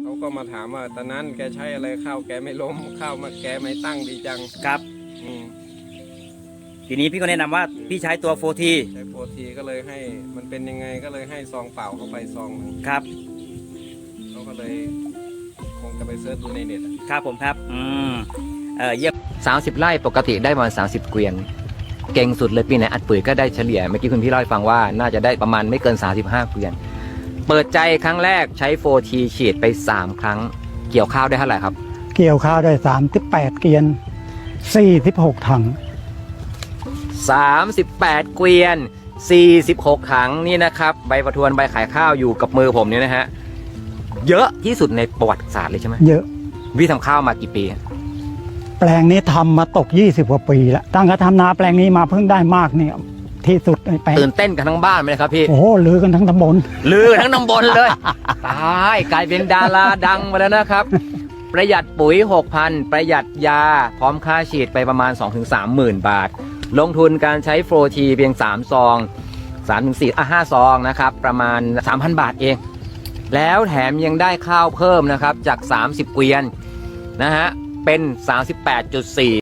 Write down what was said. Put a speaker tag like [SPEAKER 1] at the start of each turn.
[SPEAKER 1] เขาก็มาถามว่าตอนนั้นแกใช้อะไรข้าวแกไม่ล้มข้าวมาแกไม่ตั้งดีจัง
[SPEAKER 2] ครับ
[SPEAKER 1] อืม
[SPEAKER 2] ทีนี้พี่ก็แนะนำว่าพี่ใช้ตัวโฟที
[SPEAKER 1] ใช้โปรทีก็เลยให้มันเป็นยังไงก็เลยให้ซองเปล่าเข้าไปซองหนึ่ง
[SPEAKER 2] ครับ
[SPEAKER 1] เขาก็เลยคงจะไปเสิร์ชดูในเน็ตอะ
[SPEAKER 2] ครับผมครับเยี่ยม
[SPEAKER 3] 30 ไร่ปกติได้ประมาณ30 เกวียน เก่งสุดเลยปีไหนอัดปุ๋ยก็ได้เฉลี่ยเมื่อกี้คุณพี่เล่าให้ฟังว่าน่าจะได้ประมาณไม่เกิน 35 เกวียน เปิดใจครั้งแรกใช้ 4T ฉีดไป 3 ครั้ง เกี่ยวข้าวได้เท่าไหร่ครับ
[SPEAKER 4] เกี่ยวข้าวได้38 เกวียน46 ถัง
[SPEAKER 3] 38 เกวียน 46 ถังนี่นะครับใบประทวนใบขายข้าวอยู่กับมือผมเนี่ยนะฮะเยอะที่สุดในประวัติศาสตร์เลยใช่ไหม
[SPEAKER 4] เยอะ
[SPEAKER 3] พี่ทำข้าวมากี่ปี
[SPEAKER 4] แปลงนี้ทำมาตก20 กว่าปีแล้วตั้งแต่ทำนาแปลงนี้มาเพิ่งได้มากเนี่ยที่สุดในแปลง
[SPEAKER 3] ตื่นเต้นกันทั้งบ้านไหมครับพี่
[SPEAKER 4] โอ้โหลือกันทั้งตำบล
[SPEAKER 3] ลือทั้งตำบลเลย ตายกลายเป็นดาราดังมาแล้วนะครับ ประหยัดปุ๋ย 6,000 ประหยัดยา พร้อมค่าฉีดไปประมาณ 2-3 หมื่นบาท ลงทุนการใช้โฟร์ทีเพียง 3 ซอง 5 ซองนะครับ ประมาณ 3,000 บาทเอง แล้วแถมยังได้ข้าวเพิ่มนะครับ จาก 30 เกวียนนะฮะ เป็น 38.4